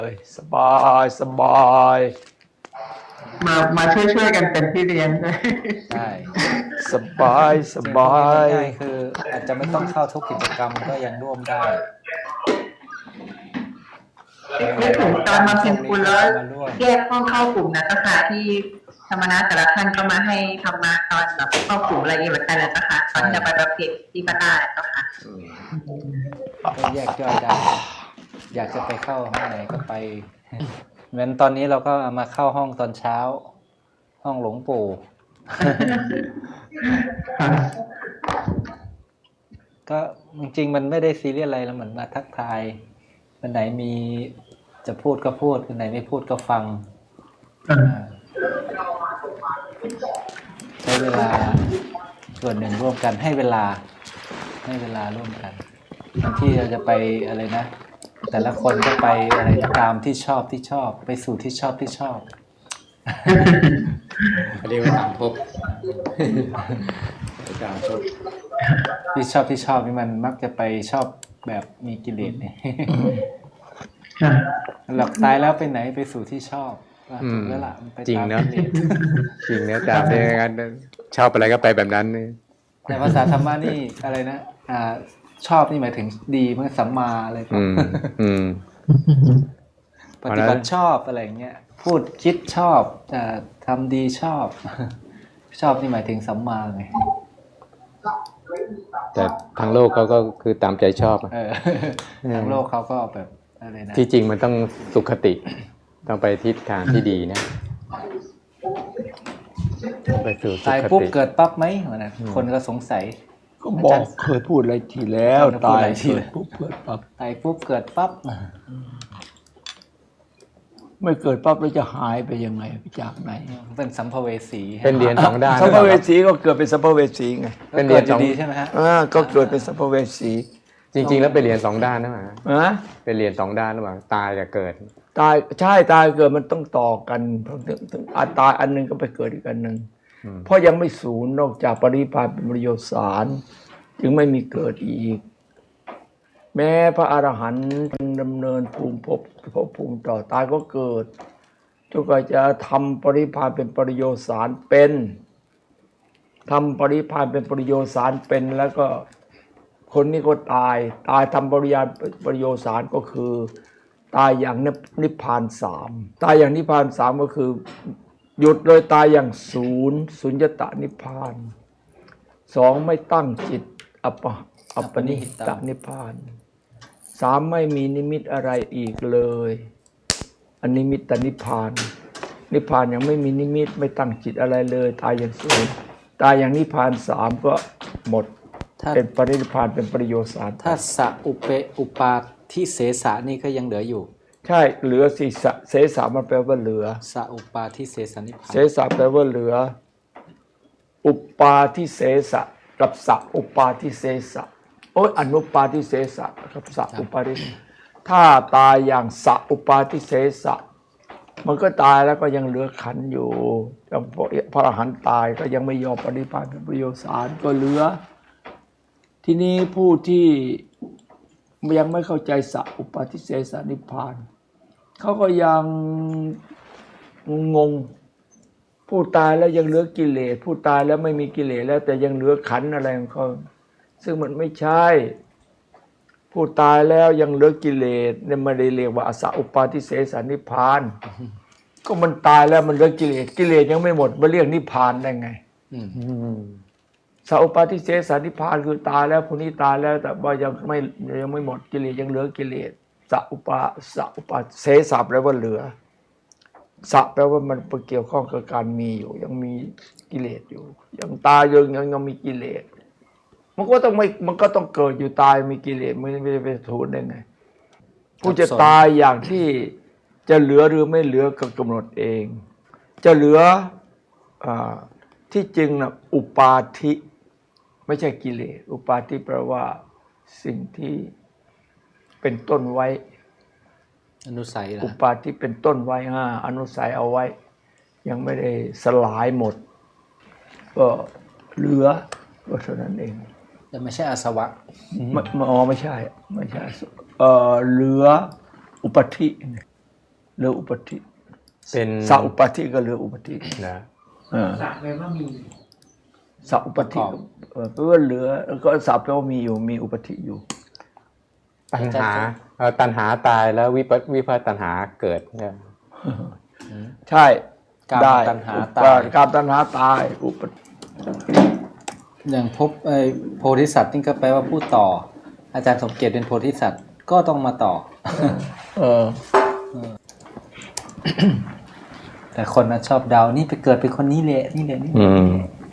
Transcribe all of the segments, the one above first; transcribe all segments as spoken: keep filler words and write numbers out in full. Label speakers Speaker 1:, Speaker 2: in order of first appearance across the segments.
Speaker 1: เลยสบายสบาย
Speaker 2: มามาช่วยช่วยกันเป็นพี่เลี้ยงด้วย
Speaker 3: ใช่
Speaker 1: สบายสบาย
Speaker 3: ง่ายคืออาจจะไม่ต้องเข้าทุกกิจกรรมก็ยังร่วมได้
Speaker 2: ไม่ถึงตอนมาเป็นคุณแล้วแยกห้องเข้ากลุ่มนะก็ค่ะที่ธรรมนัสแต่ละท่านก็มาให้ธรรมะตอนแบบเข้ากลุ่มอะไรอย่างเงี้ยเหมือนกันเลยนะคะตอนจะไปประเภทที่ก็ได้ก็ค่ะ
Speaker 3: ก็แยกย่อยได้อยากจะไปเข้าห้องไหนก็ไปเหมือนตอนนี้เราก็มาเข้าห้องตอนเช้าห้องหลวงปู่ก็จริงๆมันไม่ได้ซีเรียสอะไรแล้วเหมือนมาทักทายวันไหนมีจะพูดก็พูดวันไหนไม่พูดก็ฟังใช้เวลาส่วนหนึ่งร่วมกันให้เวลาให้เวลาร่วมกันบางที่เราจะไปอะไรนะแต่ละคนก็ไปอะไรตามที่ชอบที่ชอบไปสู่ที่ชอบที่ชอบ
Speaker 4: เรียกว่าตามภพตามภพ
Speaker 3: ที่ชอบที่ชอบนี่มันมักจะไปชอบแบบมีกิเลสเนี่ยหลับตายแล้วไปไหนไปสู่ที่ชอบถูกแล้วล่ะ
Speaker 4: จริงเนาะจริงเนาะตามได้งั้นชอบอะไรก็ไปแบบนั้นนี่
Speaker 3: แต่ภาษาธรรมะนี่อะไรนะอ่าชอบนี่หมายถึงดีมันสัมมาอะไรแบบปฏิบัติชอบอะไรเงี้ยพูดคิดชอบจะทำดีชอบชอบนี่หมายถึงสัมมาไง
Speaker 4: แต่ทางโลกเขาก็คือตามใจชอบ
Speaker 3: ทางโลกเขาก็แบบอะไรนะ
Speaker 4: ที่จริงมันต้องสุขติต้องไปทิศทางที่ดีนะ
Speaker 3: ไปสู่ตายปุ๊บเกิดปั๊บไหมนะคนก็สงสัย
Speaker 1: ก็บอกเคยพูดอะไรทีแล้วตายเกิดปุ๊บเกิดปั๊บ
Speaker 3: ตายปุ๊บเกิดปั๊บ
Speaker 1: ไม่เกิดปั๊บแล้วจะหายไปยังไงไปจากไหน
Speaker 3: เป็นสัมภเวสี
Speaker 4: เป็นเรียนสองด้าน
Speaker 1: สัมภเวสีก็เกิดเป็นสัมภเวสีไง
Speaker 3: เป็นเรียนสองดีใช่ไหมฮะ
Speaker 1: อ่าก็เกิดเป็นสัมภเวสี
Speaker 4: จริงๆแล้วเป็นเรียนสองด้านนะมั้ยฮะเป็นเรียนสองด้านระหว่างตายกับเกิด
Speaker 1: ตายใช่ตายเกิดมันต้องต่อกันถึงอัตตายอันนึงก็ไปเกิดอีกอันนึงเพราะยังไม่สูญนอกจากปรินิพพานเป็นประโยชน์สารจึงไม่มีเกิดอีกแม้พระอรหันต์ดำเนินภูมิภพภพภูมิต่อตายก็เกิดจนกว่าจะทำปรินิพพานเป็นประโยชน์สารเป็นทำปรินิพพานเป็นประโยชน์สารเป็นแล้วก็คนนี้ก็ตายตายทำปริญาประโยชน์สารก็คือตายอย่างนิพพานสามตายอย่างนิพพานสามก็คือหยุดเลยตายอย่างศูนย์สุญญตานิพพานสองไม่ตั้งจิตอัปปะอัปปนิหิตานิพพานสามไม่มีนิมิตอะไรอีกเลยอนิมิตตนิพพานนิพพานยังไม่มีนิมิตไม่ตั้งจิตอะไรเลยตายอย่างศูนย์ตายอย่างนิพพานสามก็หมดเป็นปรินิพพานเป็นประโยชน์สาร
Speaker 3: ถ้าสะอุเปอุปาทิเสสะนี่ก็ยังเหลืออยู่
Speaker 1: ใช่เหลือสิสะเสสะมันแปลว่าเหลือ
Speaker 3: สะอุปาทิเสสนิพพาน
Speaker 1: เสสะแปลว่าเหลืออุปาทิเสสะกับสะอุปาทิเสสะโอ้ยอนุปาทิเสสะกับสะอุปาทิถ้าตายอย่างสะอุปาทิเสสะมันก็ตายแล้วก็ยังเหลือขันธ์อยู่ยังพระอรหันต์ตายก็ยังไม่ยอมปฏิภาณเป็นประโยชน์สารก็เหลือทีนี้ผู้ที่ยังไม่เข้าใจสะอุปาทิเสสนิพพานเขาก็ยังงงผู้ตายแล้วยังเหลือกิเลสผู้ตายแล้วไม่มีกิเลสแล้วแต่ยังเหลือขันธ์อะไรของเขาซึ่งมันไม่ใช่ผู้ตายแล้วยังเหลือกิเลสเนี่ยไม่ได้เรียกว่าอสะอุปาทิเสสนิพพานก็มันตายแล้วมันเหลือกิเลสกิเลสยังไม่หมดมาเรียกนิพพานได้ไงสะอุปาทิเสสนิพพานคือตายแล้วผู้นี้ตายแล้วแต่ว่ายังไม่ยังไม่หมดกิเลสยังเหลือกิเลสสะอุปาสะอุปาเสสะแปลว่าเหลือสะแปลว่ามันเกี่ยวข้องกับการมีอยู่ยังมีกิเลสอยู่ยังตายยังยังยังมีกิเลสมันก็ต้องไม่มันก็ต้องเกิดอยู่ตายมีกิเลสไม่ไม่ไปถูกได้ไงผู้จะตายอย่างที่จะเหลือหรือไม่เหลือก็กำหนดเองจะเหลืออ่าที่จริงนะอุปาทิไม่ใช่กิเลสอุปาทิแปลว่าสิ่งที่เป็นต้นไว้
Speaker 3: อนุสัยล่ะ
Speaker 1: อุปาทิเป็นต้นไว้อ่าอนุสัยเอาไว้ยังไม่ได้สลายหมดก็เหลือก็เท่านั้นเอง
Speaker 3: แต่ไม่ใช่อาสวะ
Speaker 1: ไม่อ๋อไม่ใช่ไม่ใช่เอ่อเหลืออุปาทิเหลืออุปธิ
Speaker 4: เป็น
Speaker 1: สัอุปธิก็เหลืออุปธิ
Speaker 4: นะ
Speaker 1: เออ
Speaker 5: สักแปลว่ามี
Speaker 1: สัอุปธิเออแปลว่าเหลือแล้วก็สัแปลว่ามีอยู่มีอุปธิอยู่
Speaker 4: ตัณหาเอ่อตัณหาตายแล้ววิปัสวิภัตตัณหาเกิดเนี่ย
Speaker 1: ใช่
Speaker 3: กาม
Speaker 1: ได้
Speaker 3: ตัณหาตาย
Speaker 1: กามตัณหาตายอุป
Speaker 3: อย่างพบไอ้โพธิสัตว์นี่ก็แปลว่าผู้ต่อ อาจารย์สมเกียรติเป็นโพธิสัตว์ก็ต้องมาต่อ
Speaker 1: เออ
Speaker 3: แต่คนน่ะชอบเดานี่ไปเกิดเป็นคนนี้เลยนี่เลยนี่
Speaker 4: อืม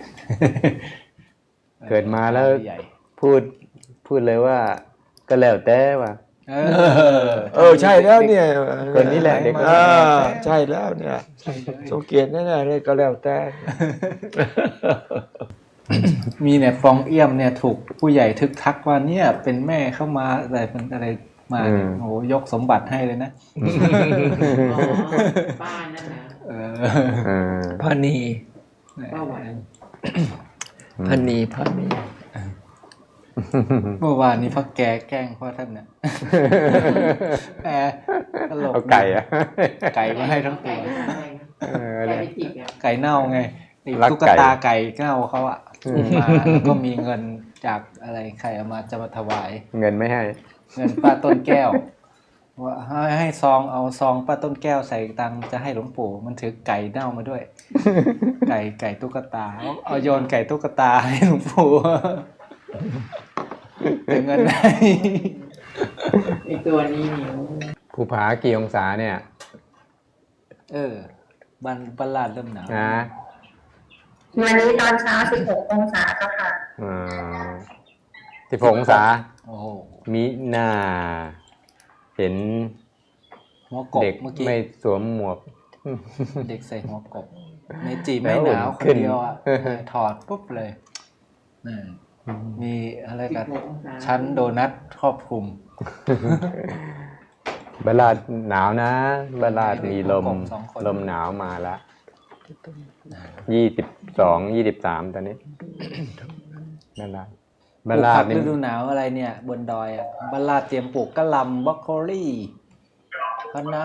Speaker 4: เกิดมาแล้ว
Speaker 3: ใหญ่
Speaker 4: พูดพูดเลยว่า ก็แล้วแต่ว่า
Speaker 3: เอ
Speaker 1: เออใช่แล้วเนี่ย
Speaker 4: คนนี้แหละเด็กคนนี้
Speaker 1: อ่า
Speaker 4: แหละ
Speaker 1: ใช่แล้วเนี่ยสงเกียรติแน่ๆเลยก็แล้วแต่
Speaker 3: มีเนี่ยฟองเอี่ยมเนี่ยถูกผู้ใหญ่ทึกทักว่าเนี่ยเป็นแม่เข้ามาอะไรเป็นอะไรมาเนี่ยโอ้โหยกสมบัติให้เลยนะ
Speaker 5: อ๋อป้านั่นนะ
Speaker 3: เออ
Speaker 4: เออ
Speaker 1: พานี
Speaker 5: ป้าหวาน
Speaker 1: พานีพานี
Speaker 3: เมื่อวานนี้พ่อแกแกล้งพ่อท่านเนี่ยแหมตลก
Speaker 4: เอาไก่อะ
Speaker 3: ไก่มาให้ทั้งตัว
Speaker 4: เออ
Speaker 5: ไก่
Speaker 4: เนี่ย
Speaker 5: ไปจิกอ่ะ
Speaker 3: ไก่เน่าไงไอ้
Speaker 4: รัก
Speaker 3: ตุ๊ก
Speaker 4: ไก่
Speaker 3: ตาไก่เน่าเขาอะมาแล้วก็มีเงินจากอะไรใครเอามาจะมาถวาย
Speaker 4: เงินไม่ให้
Speaker 3: เงินป้าต้นแก้วว่าให้ให้ซองเอาซองป้าต้นแก้วใส่ตังค์จะให้หลวงปู่มันถือไก่เน่ามาด้วย ไก่ไก่ตุ๊กตาเอาเอาโยนไก่ตุ๊กตาให้หลวงปู่แต่เงินให้
Speaker 5: ไอตัวนี้นิ้ว
Speaker 4: ภูผากี่องศาเนี่ย
Speaker 3: เออบันบันลาดเริ่มหนาว
Speaker 4: นะ
Speaker 2: วันนี้ตอนเช้าสิบหกองศาเจ้าค่ะ
Speaker 4: อ่าสิบหกองศา
Speaker 3: โอ้โห
Speaker 4: มิหน้า เห็น
Speaker 3: หัวกบ
Speaker 4: เด็ก
Speaker 3: เมื่อกี้
Speaker 4: ไม่สวมหมวก
Speaker 3: เด็กใส่หัวกบเมจิไม่หนาวคนเดียวอ่ะถอดปุ๊บเลยนี่มีอะไร
Speaker 5: สิ
Speaker 3: กับ
Speaker 5: บหกองศา
Speaker 3: ชั้นโดนัทครอบคลุม
Speaker 4: บาลาดหนาวนะบาลาดมีลม
Speaker 3: สองคน
Speaker 4: ลมหนาวมาละยี่สิบสองยี่สิบสามตอนนี้บาลาด
Speaker 3: ป
Speaker 4: บา
Speaker 3: ลูก
Speaker 4: ลา
Speaker 3: ผั
Speaker 4: ด
Speaker 3: ก
Speaker 4: นี่
Speaker 3: ฤดูหนาวอะไรเนี่ย บนดอยอ่ะบาลาดเตรียมปลูกกะหล่ำบรอกโคลี่คะน้า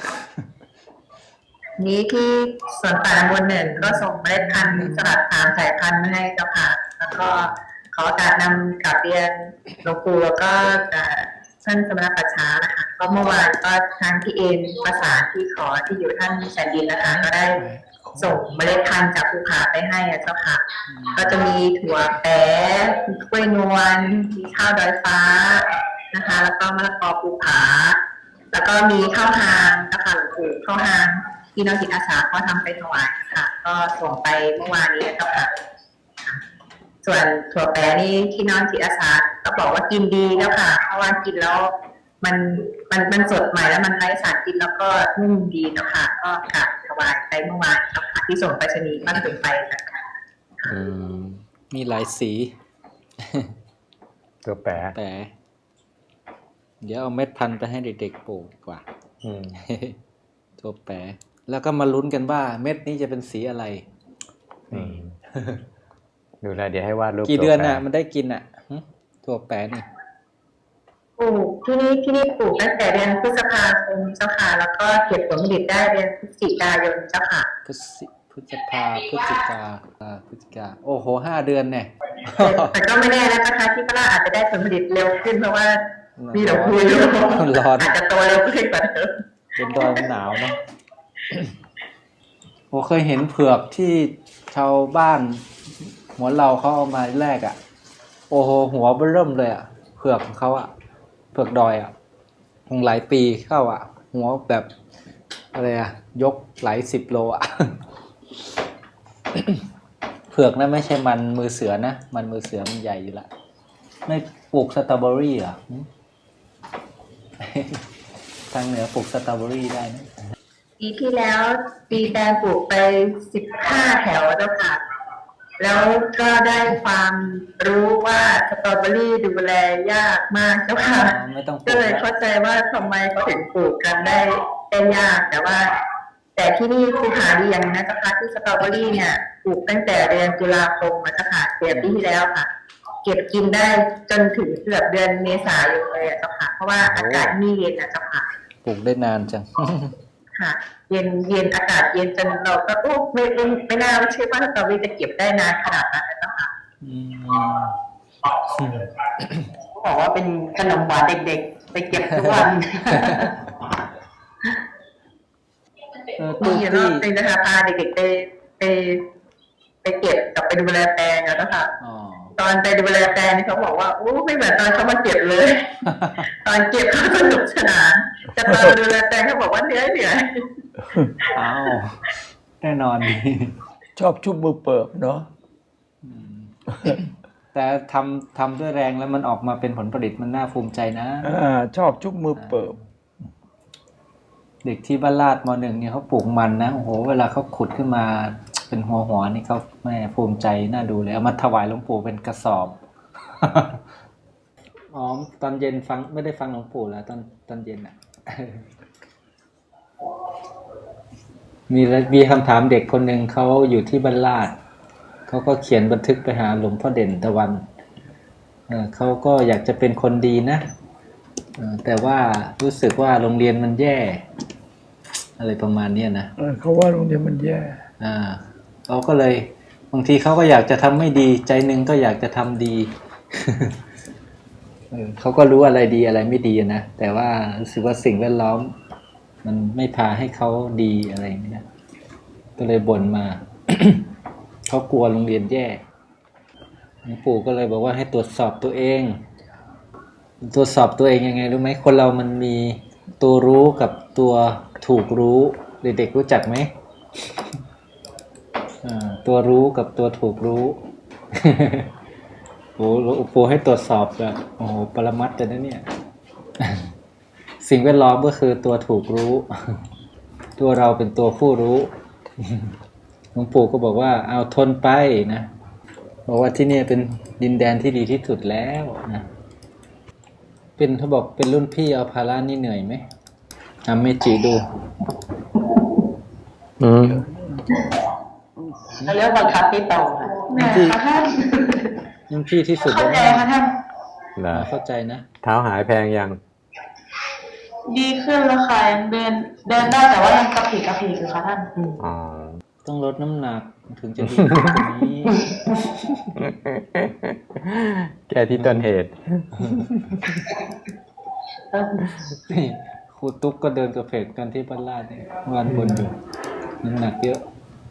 Speaker 2: นี้ที่สวนป่าบนหนึ่งก็ส่งเมล็ดพันธุ์สลัดสามสายพันธุ์มาให้เจ้าค่ะ แล้วก็ขอโอกาสนำกลับเรียนหลวงปู่แล้วก็ท่านสมณปัชชานะคะก็เมื่อวานก็ทางที่เอ็นภาษานที่ขอที่อยู่ท่านแสนดินนะคะ ก็ได้ส่งเมล็ดพันธุ์จากภูผาไปให้อะเจ้าค่ะ ก็จะมีถั่วแป๊ะมีกล้วยนวลมีข้าวดอยฟ้านะคะ แล้วก็มะละกอภูผา แล้วก็มีข้าวหางนะคะหลวงปู่ข้าวหางที่น้องจิตอาสาเขาทำไปถวายค่ะ ก็ส่งไปเมื่อวานนี้แล้วค่ะ ส่วนถั่วแปรนี่ที่น้องจิตอาสาก็บอกว่ากินดีแล้วค่ะ เพราะว่ากินแล้วมันมันมันสดใหม่แล้วมันไร้สารกินแล้วก็นุ่มดีแล้วค่ะ ก็กราบถวายไปเมื่อวานแล้วค่ะที่ส่งไปรษณีย์บ้านถึงไปค่ะ
Speaker 4: อืม
Speaker 3: มีหลายสี
Speaker 4: ตัวแปร
Speaker 3: แต่เดี๋ยวเอาเม็ดพันธุ์ไปให้เด็กๆปลูกดีกว่า
Speaker 4: อืม
Speaker 3: ตัวแปรแล้วก็มาลุ้นกันว่าเม็ดนี้จะเป็นสีอะไร
Speaker 4: อืมดูแลเดี๋ยวให้วาดรูป
Speaker 3: กี่เดือน
Speaker 4: ตัวแปร
Speaker 3: น่ะ มันได้กินอ่ะหึตัวแปรนี่
Speaker 2: ปลูกที่นี่ที่นี่ปลูกตั้งแต่เดือนพฤษภาคมเจ้าค่ะ แล้วก็เก็บผลผลิตได้เดือนพฤศจิกายนเจ้าค่ะ
Speaker 3: พฤศจิพฤษภาพฤศจิกาอ่าพฤศจิกาโอ้โหห้าเดือนเนี่ย
Speaker 2: แต่ก็ไม่แน่นะคะที่พระราอาจจะได้ผลผลิตเร็วขึ้นเพราะว่ามีดอกบัวอยู่
Speaker 3: ร้อน
Speaker 2: อาจจะโตเร็วขึ้นกว่าเดิม
Speaker 3: เป็นดอยมันหนาวเนาะ ผมเคยเห็นเผือกที่ชาวบ้านหัวเราเขาเอามาแลกอ่ะ โอ้โหหัวเบิ่มเลยอ่ะเผือกของเขาอ่ะเผือกดอยอ่ะคงหลายปีเข้าอ่ะ หัวแบบอะไรอ่ะ ยกหลายสิบโลอ่ะ เผือกนะไม่ใช่มันมือเสือนะมันมือเสือมันใหญ่อยู่ละไม่ปลูกสตรอเบอรี่เหรอ หึ ทางเหนือปลูกสตรอเบอรี่ได้นะ
Speaker 2: ปีที่แล้วปีแตงปลูกไปสิบห้าแถวเจ้าค่ะ แล้วก็ได้ความรู้ว่าสตรอเบอรี่ดูแลยากมากเจ้าค่ะ
Speaker 3: อ๋อไม่ต้องป
Speaker 2: ก็
Speaker 3: ลูก
Speaker 2: เลย
Speaker 3: แล้ว
Speaker 2: เข้าใจว่าทำไมเขาถึงปลูกกันได้ได้ยาก แต่ว่า แต่ที่นี่คือหาดีอย่างนะเจ้าค่ะที่สตรอเบอรี่เนี่ยปลูกตั้งแต่เดือนตุลาคมมาเจ้าค่ะเดือนปีที่แล้วค่ะ เก็บกินได้จนถึงเกือบเดือนเมษายนเลยอะเจ้าค่ะ เพราะว่าอากาศนี่เย็นนะเจ้าค่ะ
Speaker 3: ปลูกได้นานจัง
Speaker 2: คค่ะ เย็นเย็นอากาศเย็นจนเราก็โอ้ไม่ไม่ไม่น่าเชื่อว่าสตรอเบอรี่จะเก็บได้นานขนาดนั้นนะเจ้าค่ะ
Speaker 3: อืม
Speaker 2: เขาบอกว่าเป็นขนมหวานเด็กๆ ไปเก็บทุกวัน
Speaker 3: เออ
Speaker 2: มี
Speaker 3: ตู้
Speaker 2: อยู่ร
Speaker 3: ที่
Speaker 2: อบนึงนะคะพาเด็กๆไปไปไปเก็บกับไปดูแลแปลงอะนะคะ
Speaker 3: อ๋อ
Speaker 2: ตอนไปดูแลแปลงนี่เขาบอกว่าโอ้ไม่เหมือนตอนเขามาเก็บเลย ตอนเก็บเขาสนุกสนานแต่ตอนมาดูแลแปลงเขาบอกว่าเหนื่อยเหนื่อย
Speaker 3: อ้าวแน่นอนดี
Speaker 1: ชอบชุบมือเปิบเนาะ
Speaker 3: แต่ทำทำด้วยแรงแล้วมันออกมาเป็นผลผลิตมันน่าภูมิใจนะ
Speaker 1: อ่าชอบชุบมือเปิบ
Speaker 3: เด็กที่บ้านลาดมหนึ่งเนี่ยเขาปลูกมันนะโอ้โหเวลาเขาขุดขึ้นมาเป็นหัวหัวนี่เขาแม่ภูมิใจน่าดูเลยเอามาถวายหลวงปู่เป็นกระสอบ อ๋อตอนเย็นฟังไม่ได้ฟังหลวงปู่แล้วตอนตอนเย็นอ่ะ มีมีคำถามเด็กคนหนึ่งเขาอยู่ที่บ้านลาดเขาก็เขียนบันทึกไปหาหลวงพ่อเด่นตะวันเออเขาก็อยากจะเป็นคนดีนะเออแต่ว่ารู้สึกว่าโรงเรียนมันแย่ อะไรประมาณเนี้ยนะ
Speaker 1: เออเขาว่าโรงเรียนมันแย่
Speaker 3: อ่าเขาก็เลยบางทีเขาก็อยากจะทำไม่ดีใจหนึ่งก็อยากจะทำดี เออเขาก็รู้อะไรดีอะไรไม่ดีนะแต่ว่ารู้สึกว่าสิ่งแวดล้อม มันไม่พาให้เขาดีอะไรอย่างเงี้ยก็เลยบ่นมา เขากลัวโรงเรียนแย่หลวงปู่ก็เลยบอกว่าให้ตรวจสอบตัวเอง ตรวจสอบตัวเองยังไงรู้ไหมคนเรามันมีตัวรู้กับตัวถูกรู้เด็กๆรู้จักไหม อ่าตัวรู้กับตัวถูกรู้ โอ้โหหลวงปู่ให้ตรวจสอบแบบโอ้โหปรมัตถ์เลยนะเนี่ย สิ่งแวดล้อมก็คือตัวถูกรู้ ตัวเราเป็นตัวผู้รู้ หลวงปู่ก็บอกว่าเอาทนไปนะบอกว่าที่นี่เป็นดินแดนที่ดีที่สุดแล้วนะเป็นเขาบอกเป็นรุ่นพี่เอาภาระนี่เหนื่อยไหมทำเมจิดู
Speaker 4: อืม
Speaker 2: เขาเรียกบังคับพี่โตค่ะแม่ค่ะท่าน
Speaker 3: รุ่นพี่ที่สุด
Speaker 2: เข้า
Speaker 3: แล้ว
Speaker 2: ใจ
Speaker 3: นะ
Speaker 2: ค่ะท่าน
Speaker 4: เหรอ
Speaker 3: เข้าใจนะ
Speaker 4: เท้าหายแพงยัง
Speaker 2: ดีขึ้นแล้วค่ะยังเดินเดินได้แต่ว่ายังกระเพกกระเพกอยู่ค่ะท่าน
Speaker 4: อ๋อ
Speaker 3: ต้องลดน้ำหนักถึงจะดีขึ้นกว่านี้
Speaker 4: แก้ที่ต้นเหตุ
Speaker 3: นี่ครูตุ๊กก็เดินกระเพกกันที่บ้านลาดเนี่ยวันบนอยู่น้ำหนักเยอะ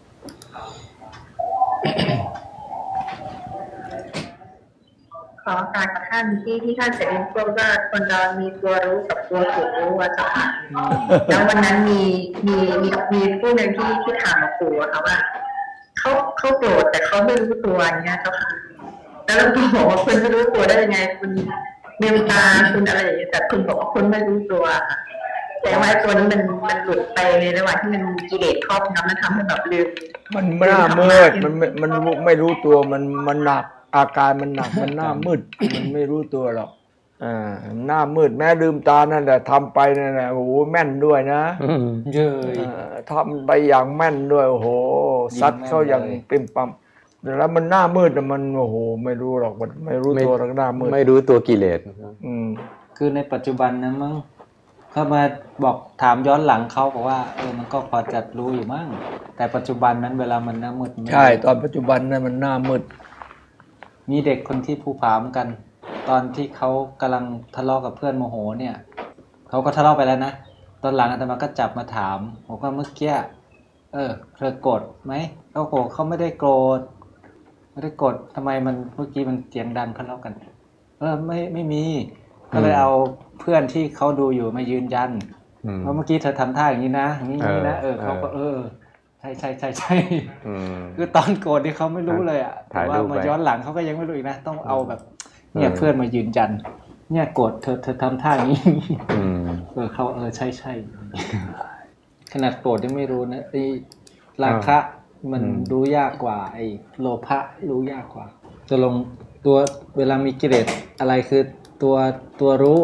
Speaker 2: ขอการกับท่านที่ที่ท่านเสด็จพูดว่าคนเรามีตัวรู้กับตัวถูกรู้อะเจ้าค่ะแล้ววันนั้นมีมีมีมีผู้หนึ่งที่ที่ถามหลวงปู่อะค่ะว่าเขาเขาโกรธแต่เขาไม่รู้ตัวอย่างเงี้ยเจ้าค่ะแล้วหลวงปู่บอกว่าคุณไม่รู้ตัวได้ยังไงคุณเมตตาคุณอะไรอย่างเงี้ยแต่คุณบอกว่าคุณไม่รู้ตัวค่ะแต่ว่าตัวนี้มันมันหลุดไปในระหว่างที่มันมีกิเลสครอบงำมันทำให้แบบลืม
Speaker 1: มันหน้ามืดมันไม่มันไม่รู้ตัวมันมันหนักอาการมันหนักมันหน้ามืด มันไม่รู้ตัวหรอกอ่าหน้ามืดแม้ลืมตานั่นแหละทำไปนั่นแหละโอ้โหแม่นด้วยนะ
Speaker 3: เย้ย
Speaker 1: เอ่อทำไปอย่างแม่นด้วยโอ้โหซัดเขาอย่าง
Speaker 3: ยิงแม่นเลย
Speaker 1: ปิ่มปั๊มแล้วมันหน้ามืดน่ะมันโอ้โหไม่รู้หรอกมันไม่รู้ตัวหรอกหน้ามืด
Speaker 4: ไม่รู้ตัวกิเลส
Speaker 1: อืม
Speaker 3: คือในปัจจุบันนะมั้งเขามาบอกถามย้อนหลังเขาบอกว่าเออมันก็พอจะรู้อยู่มั้งแต่ปัจจุบันนั้นเวลามันหน้ามืดมันไม่
Speaker 1: ใช่ตอนปัจจุบันนั้นมันหน้ามืด
Speaker 3: มีเด็กคนที่ภูผาเหมือนกัน ตอนที่เขากำลังทะเลาะกับเพื่อนโมโหเนี่ยเขาก็ทะเลาะไปแล้วนะตอนหลังอาตมาก็จับมาถามบอกว่าเมื่อกี้เออเธอโกรธไหมเขาบอกเขาไม่ได้โกรธไม่ได้โกรธทำไมมันเมื่อกี้มันเสียงดังทะเลาะกัน เออไม่ไม่มี ก็เลยเอาเพื่อนที่เขาดูอยู่มายืนยัน
Speaker 4: อืม
Speaker 3: ว่าเมื่อกี้เธอทำท่าอย่างนี้นะอย่างนี้อย่างนี้นะเอ
Speaker 4: เอ
Speaker 3: อ
Speaker 4: อ
Speaker 3: เขาก็เออใช่ใช่ใช่ใช่
Speaker 4: อืม
Speaker 3: คือตอนโกรธที่เขาไม่รู้เลยอ่ะแต่
Speaker 4: ถ่าย
Speaker 3: ว่า
Speaker 4: รูป
Speaker 3: มา
Speaker 4: ไว้
Speaker 3: ย้อนหลังเขาก็ยังไม่รู้อีกนะต้องเอาแบบเนี่ย
Speaker 4: เออ
Speaker 3: เพื่อนมายืนยัน เนี่ยโกรธเธอเธอทำท่าอย่างนี้
Speaker 4: อืม
Speaker 3: เออเขาเออใช่ใช่ขนาดโกรธยังไม่รู้นะไอ้ราคะมัน
Speaker 4: อืม
Speaker 3: รู้ยากกว่า ไอ้โลภะรู้ยากกว่าจะลงตัวเวลามีกิเลสอะไรคือตัวตัวรู้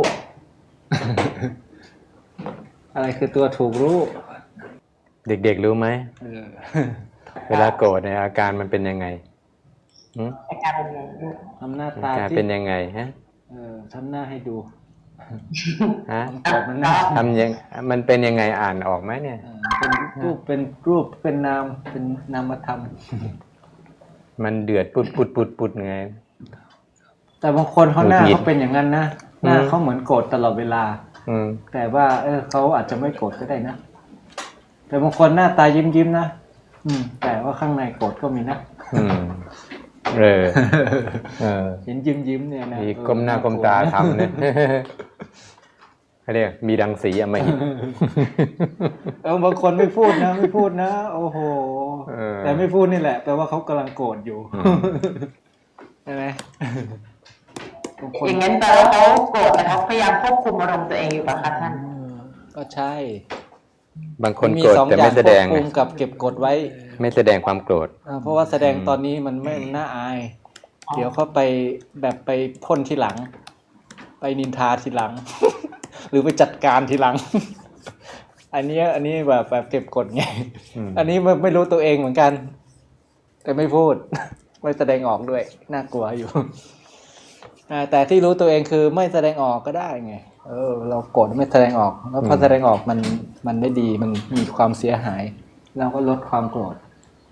Speaker 3: อะไรคือตัวถูกรู้
Speaker 4: เด็กๆรู้ไหม
Speaker 3: เออ
Speaker 4: เวลาโกรธเนี่ยอาการมันเป็นยังไงหืม
Speaker 2: อาการเป็นไง
Speaker 3: ทำหน้า
Speaker 4: อา
Speaker 3: ตา
Speaker 4: การ
Speaker 3: ที่
Speaker 4: เป็นยังไงฮะ
Speaker 3: เออทำหน้าให้ดู
Speaker 4: ฮะ
Speaker 3: โกรธมันน่า
Speaker 4: ทำยังมันเป็นยังไงอ่านออกไหมเนี่ย
Speaker 3: เออเป็นรูปเป็นรูปเป็นนามเป็นนามธรรม
Speaker 4: มันเดือดปุดปุดปุดปุดไง
Speaker 3: แต่บางคนเขาหน้า
Speaker 4: หงุดหงิด
Speaker 3: เขาเป็นอย่างนั้นนะหน้า
Speaker 4: อืม
Speaker 3: เขาเหมือนโกรธตลอดเวลา
Speaker 4: อืม
Speaker 3: แต่ว่า เออเขาอาจจะไม่โกรธก็ได้นะแต่บางคนหน้าตายิ้มยิ้มๆนะอืม แต่ว่าข้างในโกรธก็มีนะ
Speaker 4: อืมเออเออ
Speaker 3: เห็นยิ้มยิ้มๆเนี่ยนะ
Speaker 4: มี
Speaker 3: เออ
Speaker 4: ก้มหน้าก้มตาทำเนี่ยเขาเรียกมีดังสีอำมหิต
Speaker 3: เออบางคนไม่พูดนะไม่พูดนะโอ้โห
Speaker 4: เออ
Speaker 3: แต่ไม่พูดนี่แหละแปลว่าเขากำลังโกรธอยู่
Speaker 4: อืม
Speaker 3: ใช่ไหมบางคน
Speaker 2: อย่างนั้นแปลว่าเขาโกรธแต่เขาพยายามควบคุมอารมณ์ตัวเองอยู่ป่ะคะท่าน
Speaker 3: เออก็ใช่
Speaker 4: บางคน
Speaker 3: มี
Speaker 4: โกรธ
Speaker 3: สอง
Speaker 4: แต่
Speaker 3: อย่า
Speaker 4: ไม่
Speaker 3: ง
Speaker 4: แส
Speaker 3: คว
Speaker 4: ด
Speaker 3: บ
Speaker 4: ง
Speaker 3: คุ
Speaker 4: ไง
Speaker 3: มกับเก็บกดไว้
Speaker 4: ไม่แสดงความโกรธ
Speaker 3: อ่าเพราะว่าแสดง
Speaker 4: อืม
Speaker 3: ตอนนี้มันไม่น่าอาย เดี๋ยวเขาไปแบบไปพ่นทีหลัง ไปนินทาทีหลัง หรือไปจัดการทีหลัง อันนี้อันนี้แบบแบบเก็บกดไง
Speaker 4: อืม
Speaker 3: อันนี้ไม่ไม่รู้ตัวเองเหมือนกัน แต่ไม่พูด ไม่แสดงออกด้วยน่ากลัวอยู่ อ่าแต่ที่รู้ตัวเองคือไม่แสดงออกก็ได้ไงเออ เราโกรธไม่แสดงออก แล้วพอแสดงออกมันมันไม่ดีมันมีความเสียหาย เราก็ลดความโกรธ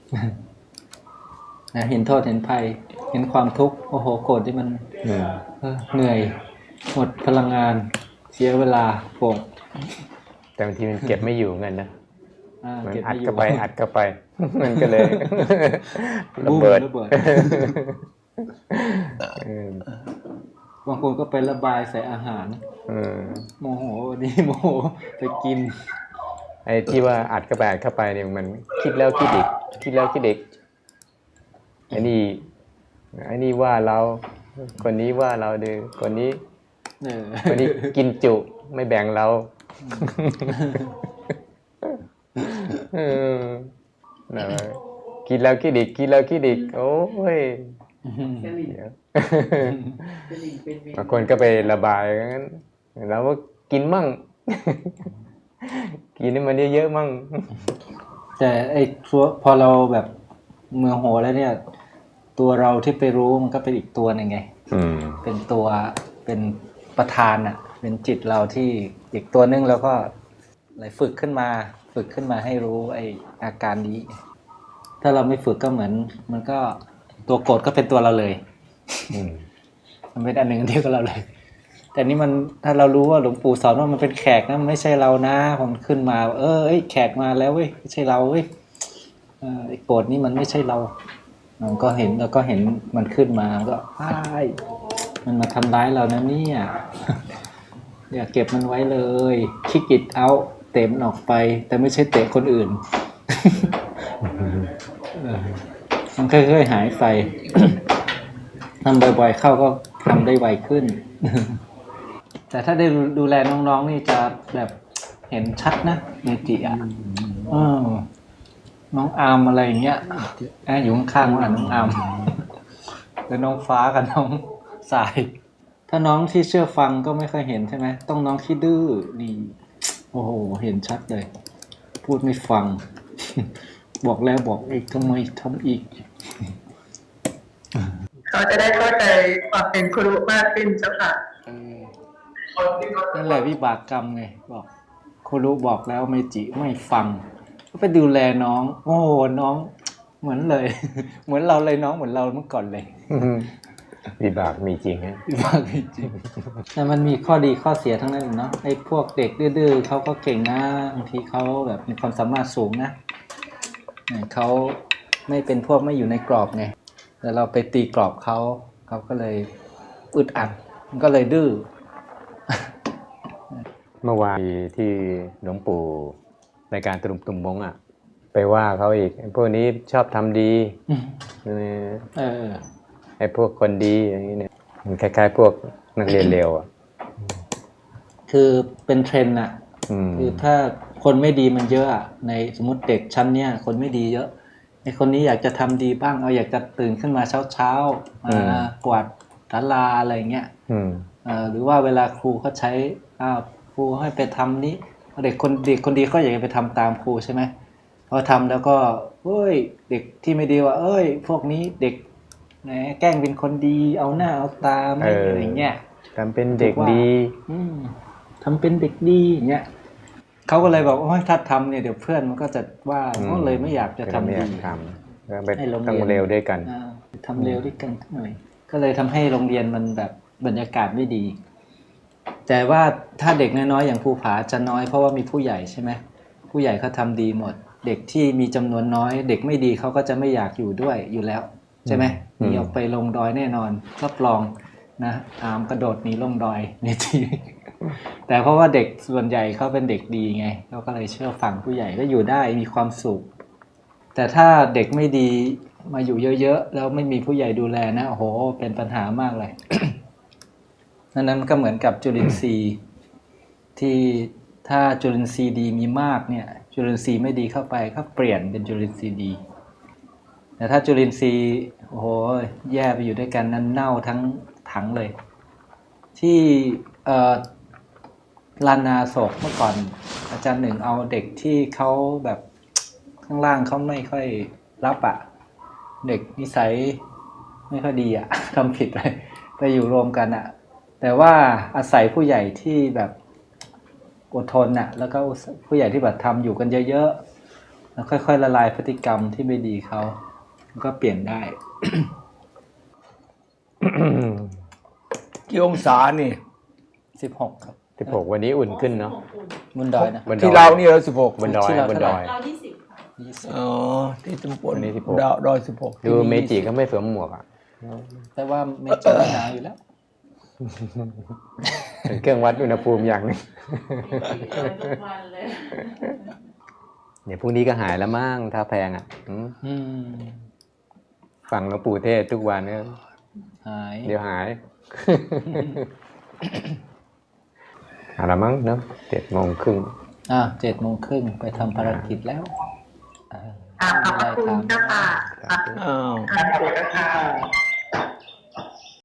Speaker 3: นะเห็นโทษเห็นภัย เห็นความทุกข์โอ้โหโกรธที่มัน
Speaker 4: อืม
Speaker 3: เออเหนื่อย หมดพลังงาน เสียเวลาโกรธ
Speaker 4: แต่บางทีมันเก็บไม่อยู่เงินนะ
Speaker 3: อ่า
Speaker 4: เหมือน
Speaker 3: เก็บ
Speaker 4: อัด
Speaker 3: ไม่อยู่
Speaker 4: เข้าไปอัดเข้าไป มันก็เลย ระ
Speaker 3: บูม
Speaker 4: เบิด
Speaker 3: ระเบิด
Speaker 4: เออบ
Speaker 3: างคนก็ไประบายใส่อาหาร
Speaker 4: เออ
Speaker 3: โมโหนี่โมโหไปกิน
Speaker 4: ไอ้ที่ว่าอัดเข้าไปอัดเข้าไปเนี่ยมันคิดแล้วคิดอีกคิดแล้วคิดอีกไอ้นี่ไอ้นี่ว่าเราคนนี้ว่าเราดื้อคนนี้
Speaker 3: เออ
Speaker 4: คนนี้กินจุไม่แบ่งเราเออนะคิดแล้วคิดอีกคิดแล้วคิดอีกโอ้ย
Speaker 5: สลิง
Speaker 4: เดี๋ยว
Speaker 5: สลิงเป็นเมนู
Speaker 4: บางคนก็ไประบายงั้นเราก็กินมั่ง กินให้มันเยอะๆมั่ง
Speaker 3: แต่ไอ้ตัวพอเราแบบเมือโหแล้วเนี่ย ตัวเราที่ไปรู้มันก็เป็นอีกตัวหนึ่งไง
Speaker 4: อืม
Speaker 3: เป็นตัวเป็นประธานอ่ะ เป็นจิตเราที่อีกตัวนึงแล้วก็อะไรฝึกขึ้นมา ฝึกขึ้นมาให้รู้ไอ้อาการนี้ ถ้าเราไม่ฝึกก็เหมือน มันก็ตัวโกรธก็เป็นตัวเราเลย
Speaker 4: อืม
Speaker 3: มันเป็นอันหนึ่งอันเดียวกับเราเลย แต่นี่มันถ้าเรารู้ว่าหลวงปู่สอนว่ามันเป็นแขกนะมันไม่ใช่เรานะผมขึ้นมา เออเอ้ยแขกมาแล้วเว้ยไม่ใช่เราเว้ยเออไอ้โกรธนี่มันไม่ใช่เรามันก็เห็นแล้วก็เห็นมันขึ้นมาก็อ้ายมันมาทำร้ายเรานะเนี่ย อย่าเก็บมันไว้เลยคิกอิดเอาเตะมันออกไป แต่ไม่ใช่เตะคนอื่น เออมันค่อยๆหายไป ทำบ่อยๆเข้าก็ทำได้ไวขึ้น แต่ถ้าได้ดูแลน้องๆนี่จะแบบเห็นชัดนะเมจิอ่ะเออน้องอาร์มอะไรอย่างเงี้ยอ่ะอยู่ข้างๆว่าน้องอาร์มแล้วน้องฟ้ากับน้องสาย ถ้าน้องที่เชื่อฟังก็ไม่เคยเห็นใช่ไหมต้องน้องที่ดื้อนี่โอ้โหเห็นชัดเลย พูดไม่ฟัง บอกแล้วบอกอีกทำไมทำอีก
Speaker 2: เขาจะได้เข้าใจความเป็นครูมากขึ้นเจ้าค่ะ
Speaker 3: เออนั่นแหละวิบากกรรมไงบอกครูบอกแล้วเมจิไม่ฟังก็ไปดูแลน้อง โอ้น้องเหมือนเลย เหมือนเราเลยน้องเหมือนเราเมื่อก่อนเลย
Speaker 4: วิบากมีจริงฮะ
Speaker 3: วิบากจริงแต่มันมีข้อดีข้อเสียทั้งนั้นเนาะไอ้พวกเด็กดื้อๆเขาก็เก่งนะบางทีเขาแบบมีความสามารถสูงนะเนี่ยเขาไม่เป็นพวกไม่อยู่ในกรอบไงแต่เราไปตีกรอบเขาเขาก็เลยอึดอัดมันก็เลยดื้อ
Speaker 4: เมื่อวานที่หลวงปู่ในการตรุมตุมมงอ่ะ ไปว่าเขาอีกไอ้พวกนี้ชอบทำดี
Speaker 3: อืม
Speaker 4: เออ
Speaker 3: เออ
Speaker 4: ไอ้พวกคนดีอย่างนี้เนี่ยมันคล้ายๆพวกนักเรียนเลวอ่ะ
Speaker 3: คือเป็นเทรนด์อะ
Speaker 4: อืม
Speaker 3: คือถ้าคนไม่ดีมันเยอะอะในสมมติเด็กชั้นเนี้ยคนไม่ดีเยอะไอคนนี้อยากจะทำดีบ้างเอาอยากจะตื่นขึ้นมาเช้าเช้าๆมากวาดศาลาอะไรเงี้ย
Speaker 4: อืม
Speaker 3: เอ่อหรือว่าเวลาครูเขาใช้อ้าวครูให้ไปทำนี้เด็กคนเด็กคนดีก็อยากจะไปทำตามครูใช่ไหมพอทำแล้วก็เอ้ยเด็กที่ไม่ดีว่า เอ้ย พวกนี้เด็กแหมแกล้งเป็นคนดีเอาหน้าเอาตาไม่อะไรเงี้ย
Speaker 4: ทำเป็นเด็กดี
Speaker 3: อืมทำเป็นเด็กดีอย่างเงี้ยเขาก็เลยบอกโอ้ยถ้าทำเนี่ยเดี๋ยวเพื่อนมันก็จะว่า
Speaker 4: อืม
Speaker 3: ก็เลยไม่อยากจะทำ
Speaker 4: ไม่อ
Speaker 3: ดี
Speaker 4: ยากทำแล้วไป
Speaker 3: ให้โรงเรียน
Speaker 4: ต้องเร็วด้วยกัน
Speaker 3: อ่าทำเร็วด้วยกันหน่อย ก็เลยทำให้โรงเรียนมันแบบบรรยากาศไม่ดี แต่ว่าถ้าเด็กน้อยๆอย่างภูผาจะน้อยเพราะว่ามีผู้ใหญ่ใช่ไหมผู้ใหญ่เขาทำดีหมด เด็กที่มีจำนวนน้อย เด็กไม่ดีเขาก็จะไม่อยากอยู่ด้วยอยู่แล้วใช่ไหม
Speaker 4: อื
Speaker 3: ห
Speaker 4: ม
Speaker 3: นีออกไปลงดอยแน่นอนรับรองนะอามกระโดดหนีลงดอยในที แต่เพราะว่าเด็กส่วนใหญ่เขาเป็นเด็กดีไงเขาก็เลยเชื่อฟังผู้ใหญ่ก็อยู่ได้มีความสุข แต่ถ้าเด็กไม่ดีมาอยู่เยอะๆแล้วไม่มีผู้ใหญ่ดูแลนะโอ้โหเป็นปัญหามากเลย นั้นนั้นก็เหมือนกับจุลินทรีย์ที่ถ้าจุลินทรีย์ดีมีมากเนี่ยจุลินทรีย์ไม่ดีเข้าไปก็เปลี่ยนเป็นจุลินทรีย์ดี แต่ถ้าจุลินทรีย์โอ้โหแย่ไปอยู่ด้วยกันนั้นเน่าทั้งถังเลย ที่เอ่อลานนาโศกเมื่อก่อนอาจารย์หนึ่งเอาเด็กที่เขาแบบข้างล่างเขาไม่ค่อยรับอะเด็กนิสัยไม่ค่อยดีอะ ทำผิดไปไปอยู่รวมกันอะแต่ว่าอาศัยผู้ใหญ่ที่แบบอดทนอะแล้วก็ผู้ใหญ่ที่แบบทำอยู่กันเยอะๆแล้วค่อยๆละลายพฤติกรรมที่ไม่ดีเขาก็เปลี่ยนได้
Speaker 1: กี่องศานี่
Speaker 3: สิบหกครับ
Speaker 4: สิบหกวันนี้อุ่นขึ้นเนาะ
Speaker 3: บนดอยนะ
Speaker 4: บนดอย
Speaker 1: ที่เรานี่เราสิบหก
Speaker 4: บนดอย
Speaker 3: ที่เรา
Speaker 4: บนดอย
Speaker 5: เรายี่สิบค่ะ
Speaker 3: ยี่สิบ
Speaker 1: อ๋อที่ตำบล
Speaker 4: วันนี้สิบหก
Speaker 1: ดาวดอยสิบหก
Speaker 4: ดูเมจิก็ไม่สวมหมวกอ่ะ
Speaker 3: แต่ว่าไม่เจอหนาวอยู่แล้ว
Speaker 4: เป็นเครื่องวัดอุณหภูมิอย่างหนึง
Speaker 5: ทุกวันเลย
Speaker 4: เนี่ยพรุ่งนี้ก็หายแล้วมั้งถ้าแพงอ่ะอืม
Speaker 3: อืม
Speaker 4: ฟังหลวงปู่เทศทุกวันเนี่ย
Speaker 3: หาย
Speaker 4: เดี๋ยวหาย เอาละมั้งเนาะเจ็ดโมงครึ่ง
Speaker 3: อ่ะเจ็ดโมงครึ่งไปทำภารกิจแล้วอ่า
Speaker 2: ขอบพระคุณเจ้าค่ะ
Speaker 1: อ้าว
Speaker 2: ขอบพระคุณเจ้าค่ะ